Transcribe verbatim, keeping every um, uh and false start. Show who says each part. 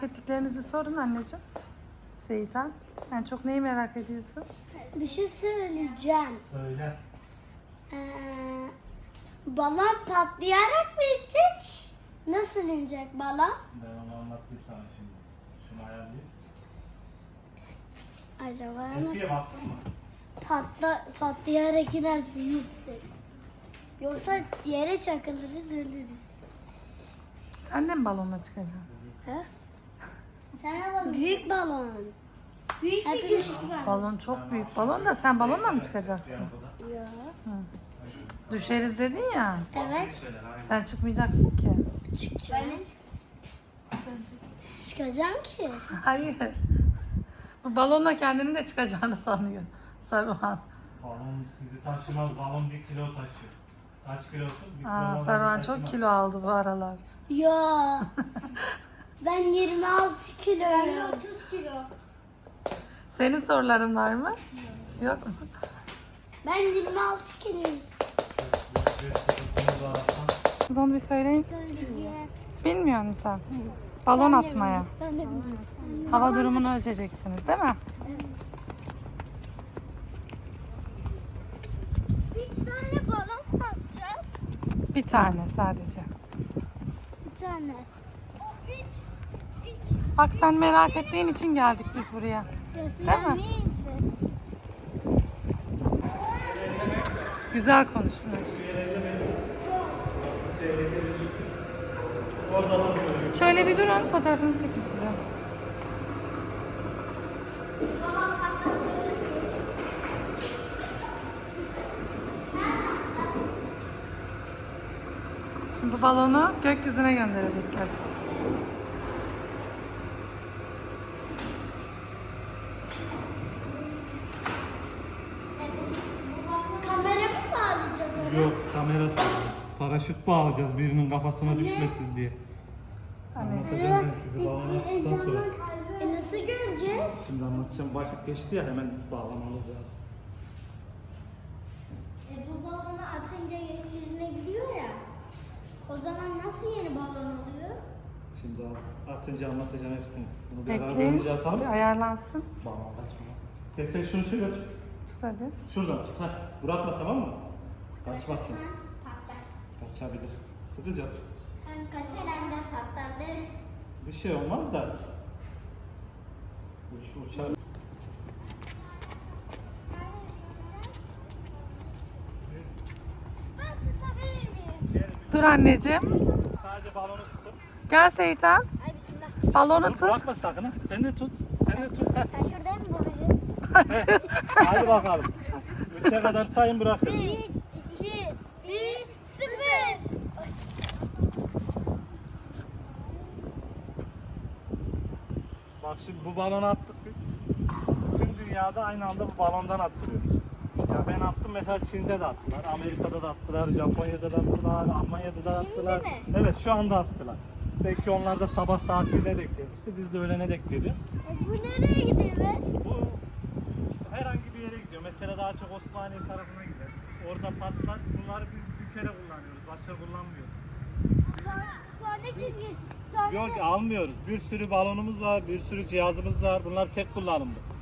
Speaker 1: Ettiklerinizi sorun anneciğim. Seyitan. En çok neyi merak ediyorsun?
Speaker 2: Bir şey söyleyeceğim.
Speaker 3: Söyle.
Speaker 2: Ee, balon patlayarak mı inecek? Nasıl inecek balon?
Speaker 3: Ben onu anlatayım sana şimdi. Şunu ayarlayayım.
Speaker 2: Acaba
Speaker 3: Eskiye
Speaker 2: nasıl?
Speaker 3: baktın mı?
Speaker 2: Patla, patlayarak inerse yüksek. Yoksa yere çakılırız ölürüz.
Speaker 1: Sen de mi balonla çıkacaksın?
Speaker 2: He? Sen balon. Büyük balon. Büyük bir küçük balon.
Speaker 1: Balon çok büyük balon da sen balonla mı çıkacaksın?
Speaker 2: Ya.
Speaker 1: Düşeriz dedin ya.
Speaker 2: Evet.
Speaker 1: Sen çıkmayacaksın ki.
Speaker 2: Çıkacağım. Çıkacağım ki.
Speaker 1: Hayır. Bu balonla kendini de çıkacağını sanıyor Saruhan.
Speaker 3: Balon sizi taşımaz. Balon bir kilo taşıyor. Kaç kilosun? Bir
Speaker 1: Aa,
Speaker 3: kilo
Speaker 1: Saruhan
Speaker 3: balon
Speaker 1: çok
Speaker 3: taşımaz.
Speaker 1: kilo aldı bu aralar.
Speaker 2: Ya. Ben yirmi altı kilo. Ben de otuz kilo.
Speaker 1: Senin soruların var mı? Yok mu?
Speaker 2: Ben yirmi altı kiloyum.
Speaker 3: Bir sıkıntınız varsa
Speaker 1: Onu bir söyleyin. Bilmiyor musun sen? Balon atmaya.
Speaker 2: Ben de bilmiyorum.
Speaker 1: Hava durumunu ölçeceksiniz değil mi?
Speaker 2: Bir tane balon atacağız.
Speaker 1: Bir tane sadece.
Speaker 2: Bir tane.
Speaker 1: Bak sen merak ettiğin için geldik biz buraya. Değil mi? Güzel konuştun. Şöyle bir durun, fotoğrafınızı çekin size. Şimdi bu balonu gökyüzüne gönderecekler.
Speaker 2: Kamera mı bağlayacağız ona?
Speaker 3: yok kamerası. Paraşüt bağlayacağız birinin kafasına düşmesin diye.
Speaker 1: Anneciğim.
Speaker 3: Anlatacağım ben size balonu attıktan sonra.
Speaker 2: E nasıl göreceğiz?
Speaker 3: Şimdi anlatacağım. Vakit geçti ya hemen bağlamamız lazım.
Speaker 2: E bu balonu atınca gökyüzüne gidiyor ya. O zaman nasıl yeni balon oluyor?
Speaker 3: Şimdi atınca anlatacağım hepsini. Bunu beraber
Speaker 1: Bekleyin.
Speaker 3: önce atalım.
Speaker 1: Bir ayarlansın.
Speaker 3: Bağlam kaçma. E sen şunu şöyle tut.
Speaker 1: Tut hadi.
Speaker 3: Şuradan tut. Heh. Bırakma tamam mı? Kaçmasın.
Speaker 2: Patlar.
Speaker 3: Kaçabilir. Sıkıca tut.
Speaker 2: Hem kaçar hem de patlar değil mi?
Speaker 3: Bir şey olmaz da. Uç, uçar.
Speaker 2: Ben tutabilir miyim?
Speaker 1: Dur anneciğim.
Speaker 3: Sadece balonu tutun.
Speaker 1: Gel Seyitan.
Speaker 2: Ay bismillah.
Speaker 1: Balonu
Speaker 3: Dur,
Speaker 1: tut.
Speaker 3: bırakma sakın ha. Sen de tut. Sen de tut. Heh.
Speaker 2: Ben şuradayım mı babacığım?
Speaker 3: Hadi bakalım. Üçe kadar sayın bırakın.
Speaker 2: Bir, iki, bir, sıfır.
Speaker 3: Bak şimdi bu balonu attık biz. Tüm dünyada aynı anda bu balondan attırıyor. Ya ben attım mesela Çin'de de attılar, Amerika'da da attılar, Japonya'da da attılar, Almanya'da da attılar.
Speaker 2: mi?
Speaker 3: Evet şu anda attılar. Belki onlar da sabah saatine denk gelmişti. Biz de öğlene denk geliyor.
Speaker 2: E bu nereye gidiyor be?
Speaker 3: Bu herhangi bir yere gidiyor. Mesela daha çok Osmaniye tarafına gider. Orada patlar. Bunları biz bir kere kullanıyoruz. Başka kullanmıyoruz.
Speaker 2: Sonra, sonra kim geç? Sonra
Speaker 3: Yok almıyoruz. Bir sürü balonumuz var, bir sürü cihazımız var. Bunlar tek kullanımlı.